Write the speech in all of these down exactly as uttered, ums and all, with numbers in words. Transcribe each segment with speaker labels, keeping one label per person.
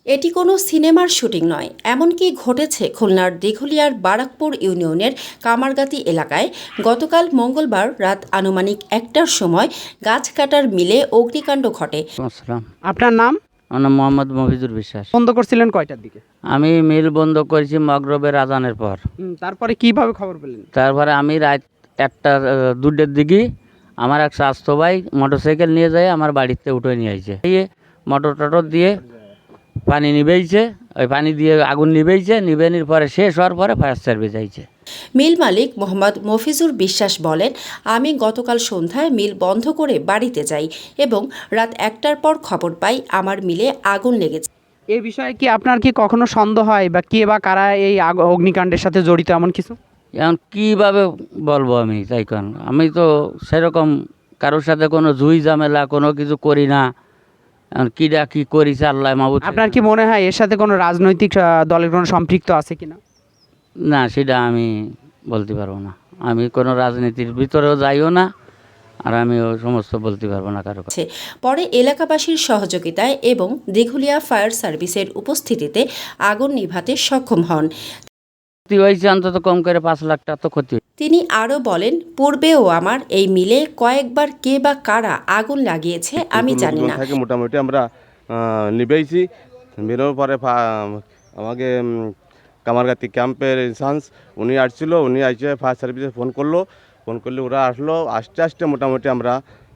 Speaker 1: এটি কোনো সিনেমার শুটিং নয়, এমনকি ঘটেছে খুলনার দিঘলিয়ার বারাকপুর ইউনিয়নের কামারগাতি এলাকায়। গতকাল মঙ্গলবার রাত আনুমানিক একটার সময় গাছ কাটার মিলে অগ্নিকাণ্ড ঘটে।
Speaker 2: আসসালাম।
Speaker 3: আপনার নাম?
Speaker 2: আমার নাম মোহাম্মদ মফিজুর বিশ্বাস।
Speaker 3: বন্ধ করছিলেন কয়টার দিকে?
Speaker 2: আমি মিল বন্ধ করেছি মগরবের আজানের পর।
Speaker 3: হুম, তারপরে কিভাবে খবর পেলেন?
Speaker 2: তারপরে আমি রাত একটা আহ, দুটের দিকে আমার এক স্বাস্থ্য ভাই মোটরসাইকেল নিয়ে যায় আমার বাড়িতে উঠে নিয়ে আইছে। এই মোটর টটর দিয়ে পানি নিবেইছে, ওই পানি দিয়ে আগুন নিবেইছে, নিবেনির পরে শেষ হওয়ার পরে ফায়ার সার্ভিস আইছে।
Speaker 1: মিল মালিক মোহাম্মদ মফিজুর বিশ্বাস বলেন, আমি গতকাল সন্ধ্যায় মিল বন্ধ করে বাড়িতে যাই এবং রাত একটার পর খবর পাই আমার মিলে আগুন লেগেছে।
Speaker 3: এই বিষয়ে কি আপনার কি কখনো সন্দেহ হয় বা কে বা কারা এই আগ- অগ্নিকাণ্ডের সাথে জড়িত এমন কিছু?
Speaker 2: এখন কীভাবে বলবো আমি তাই কারণ আমি তো সেরকম কারোর সাথে কোনো জুই ঝামেলা কোনো কিছু করি না। এখন কীটা কী করিছে আল্লাহ মাহবুদ।
Speaker 3: আপনার কি মনে হয় এর সাথে কোনো রাজনৈতিক আহ, দলের কোনো সম্পৃক্ত আছে কিনা?
Speaker 2: না, সেটা আমি বলতে পারবো না। আমি কোনো রাজনীতির ভিতরেও যাইও না, আর আমিও সমস্ত বলতে পারবো না কারো কাছে।
Speaker 1: পরে এলাকাবাসীর সহযোগিতায় এবং দিঘলিয়া ফায়ার সার্ভিসের উপস্থিতিতে আগুন নিভাতে সক্ষম হন।
Speaker 2: ক্ষতি হয়েছে অন্তত কম করে পাঁচ লাখ টাকা তো ক্ষতি।
Speaker 1: তিনি আরও বলেন, পূর্বেও আমার এই মিলে কয়েকবার কে বা কারা আগুন লাগিয়েছে আমি জানি না।
Speaker 4: থেকে মোটামুটি আমরা আহ, নিবেইছি। বেরোর পরে ফা- আমাকে উম, কামারগাতি ক্যাম্পের ইনসান্স উনি আসছিল, উনি আসে ফায়ার সার্ভিসে ফোন করলো, ফোন করলে ওরা আসলো। আস্তে আস্তে মোটামুটি আমরা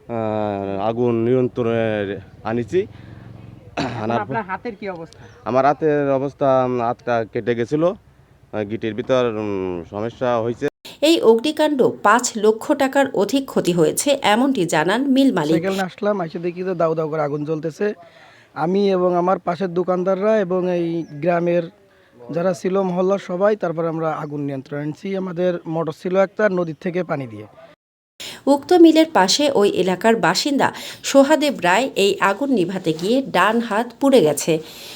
Speaker 4: আহ, আগুন নিয়ন্ত্রণে আনিছি। আনার পর
Speaker 3: আপনার হাতের কি অবস্থা?
Speaker 4: আমার হাতের অবস্থা, উম, হাতটা কেটে গেছিলো, আহ, গিটির ভিতর উম, সমস্যা হয়েছে।
Speaker 1: এই অগ্নিকাণ্ড পাঁচ লক্ষ টাকার অধিক ক্ষতি হয়েছে এমনটি জানান মিল মালিক।
Speaker 5: সাইকেল নিয়ে আসলাম, এসে দেখি তো দাউ দাউ করে আগুন জ্বলতেছে। আমি এবং আমার পাশের দোকানদাররা এবং এই গ্রামের যারা ছিল মহল্লার সবাই, তারপরে আমরা আগুন নিয়ন্ত্রণ আনছি। আমাদের মোটর ছিল একটা, নদীর থেকে পানি দিয়ে।
Speaker 1: উক্ত মিলের পাশে ওই এলাকার বাসিন্দা সোহাদেব রায় এই আগুন নিভাতে গিয়ে ডান হাত পুড়ে গেছে।